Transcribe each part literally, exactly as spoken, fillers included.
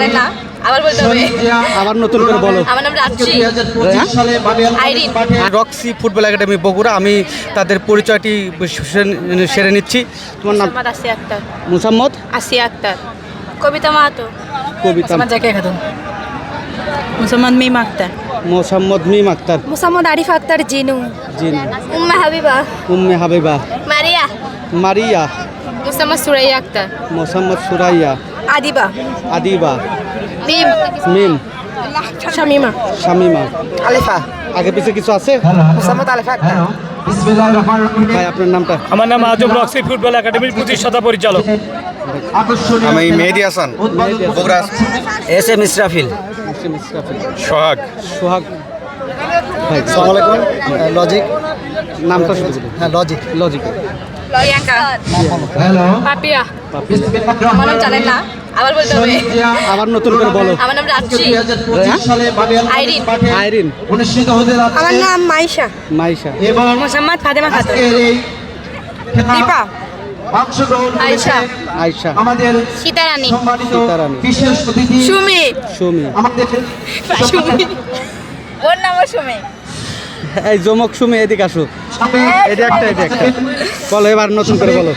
জানেন না আবার বলতে হবে আবার নতুন করে বলো। আমার নাম Rajashree Irene. Roxy football academy Bogura. আমি তাদের পরিচয়টি সে- সেরে নিচ্ছি। তোমার নাম? মোহাম্মদ আসিয়া আক্তার। মুসাম্মদ আসিয়া আক্তার। কবিতা মাহাতো। কবিতা। জাকিয়া খাতুন। মুসাম্মদ মিম আক্তার। মোসাম্মদ মিম আক্তার। মুসাম্মদ আরিফ আক্তার জিনু। জিন। উম্মা হাবিবা। উম্মে হাবিবা। মারিয়া। মারিয়া। মুসাম্মদ সুরাইয়া আক্তার। মোসাম্মদ সুরাইয়া। আদিবা। আদিবা। মিম। মিম। শামিমা। শামিমা। আলিফা। আগে পিছে কিছু আছে? মুসাম্মদ আলিফা আক্তার। ভাই আপনার নামটা? আমার নাম আজম রক্সি ফুটবল একাডেমির প্রতিষ্ঠাতা পরিচালক। আমি মেহেদি হাসান, বগুড়া। S M Israfil. সোহাগ। সোহাগ। ভাই আসসালামু আলাইকুম। লজিক। নামটা শুধু বলুন। হ্যাঁ লজিক। লজিক। প্রিয়াঙ্কা। পাপিয়া। আমার নাম জানেন না আবার বলতে হবে আবার নতুন করে বলো। আমার নাম রাজশ্রী আইরিন। আইরিন। আমার নাম মাইশা। মাইশা। মোসাম্মদ ফাতেমা খাতুন। দীপা। আয়েশা। আয়শা। সীতারানী। সীতারানী। সুমি। সুমি। সুমি ওর নামও সুমি। এই জমক সুমি এদিকে আসো। এটা একটা এটা একটা বলো এবার নতুন করে বলো।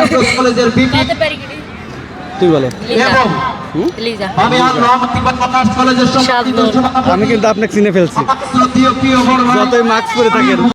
তুই বলো। লিজা। আমি কিন্তু আপনাকে চিনে ফেলছি যতই মাস্ক পরে থাকেন।